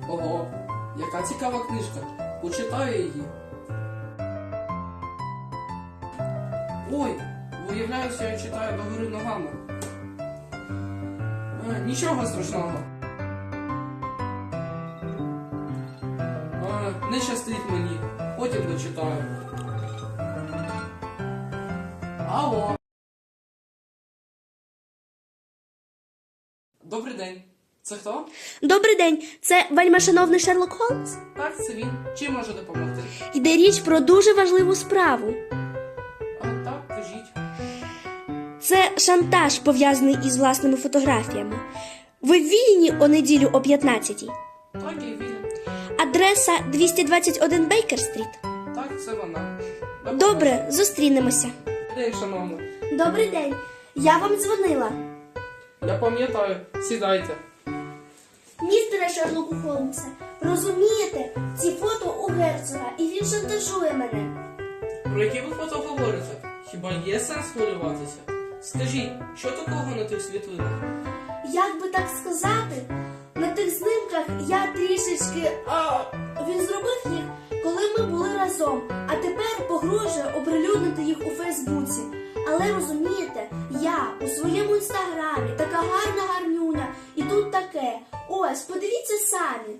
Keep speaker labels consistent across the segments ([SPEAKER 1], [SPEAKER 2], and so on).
[SPEAKER 1] Ого, яка цікава книжка. Почитаю її. Ой, виявляється, я читаю догори ногами. Нічого страшного. Не щастить мені. Потім дочитаю. Алло. Добрий день. Це хто?
[SPEAKER 2] Добрий день, це вельмишановний Шерлок Холмс?
[SPEAKER 1] Так, це він. Чим можу допомогти?
[SPEAKER 2] Йде річ про дуже важливу справу.
[SPEAKER 1] Так, кажіть.
[SPEAKER 2] Це шантаж, пов'язаний із власними фотографіями. Ви вільні о неділю о 15-й?
[SPEAKER 1] Так, я вільний.
[SPEAKER 2] Адреса 221 Бейкер-стріт.
[SPEAKER 1] Так, це вона.
[SPEAKER 2] Добре, зустрінемося.
[SPEAKER 1] День, шановна.
[SPEAKER 2] Добрий день, я вам дзвонила.
[SPEAKER 1] Я пам'ятаю. Сідайте.
[SPEAKER 2] Містере Шерлоку Холмсе, розумієте, ці фото у герцога, і він шантажує мене.
[SPEAKER 1] Про які ви фото говорите? Хіба є сенс хвилюватися? Скажіть, що такого на тих світлинах?
[SPEAKER 2] Як би так сказати, на тих знімках я трішечки... Він зробив їх, коли ми були разом, а тепер погрожує оприлюднити їх у Фейсбуці. Але розумієте, я у своєму інстаграмі така гарна гарнюня, і тут таке. Ось, подивіться самі.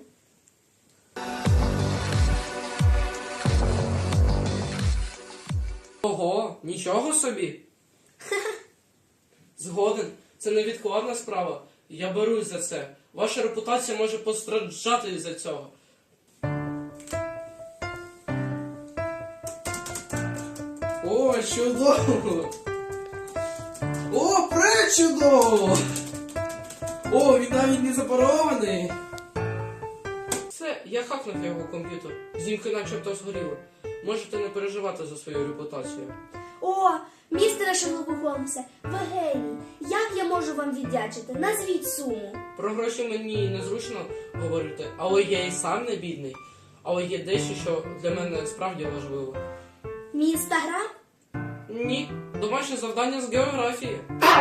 [SPEAKER 1] Ого, нічого собі. Згоден, це невідкладна справа. Я берусь за це. Ваша репутація може постраждати із-за цього. О, чудово! О, пречудово! О, він навіть не запарований. Все, я хакнув його комп'ютер. Знімки начебто згоріли. Можете не переживати за свою репутацію.
[SPEAKER 2] О, містере Шерлоку Холмсе, ви геній. Як я можу вам віддячити? Назвіть суму.
[SPEAKER 1] Про гроші мені незручно говорити, але я і сам не бідний. Але є дещо, що для мене справді важливо.
[SPEAKER 2] Мій інстаграм?
[SPEAKER 1] Ні, домашнє завдання з географії.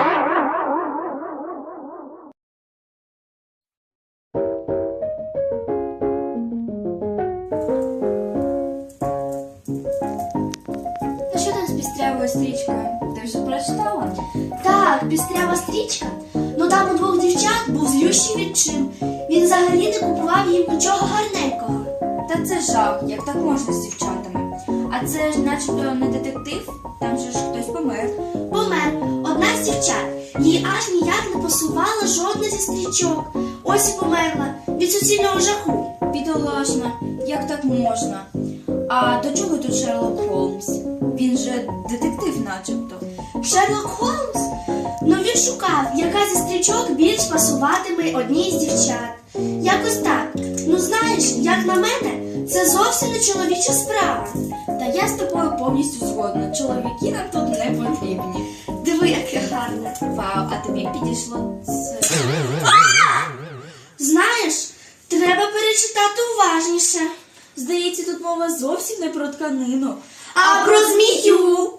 [SPEAKER 3] Та що там з пістрявою стрічкою? Ти вже прочитала?
[SPEAKER 2] Так, пістрява стрічка. Ну там у двох дівчат був злющий відчим. Він взагалі не купував їм нічого гарненького.
[SPEAKER 3] Та це жах, як так можна з дівчатами. А це ж начебто не детектив, там же ж хтось помер.
[SPEAKER 2] Помер одна з дівчат. Їй аж ніяк не пасувала жодна зі стрічок. Ось і померла від суцільного жаху.
[SPEAKER 3] Бідолашна, як так можна? А до чого тут Шерлок Холмс? Він же детектив начебто.
[SPEAKER 2] Шерлок Холмс? Ну він шукав, яка зі стрічок більш пасуватиме одній з дівчат. Якось так. Ну знаєш, як на мене, це зовсім не чоловіча справа.
[SPEAKER 3] Та я з тобою повністю згодна. Чоловіки нам тут не потрібні.
[SPEAKER 2] Диви, яке гарне.
[SPEAKER 3] Вау, а тобі підійшло це.
[SPEAKER 2] Знаєш, треба перечитати уважніше.
[SPEAKER 3] Здається, тут мова зовсім не про тканину.
[SPEAKER 2] А про змію?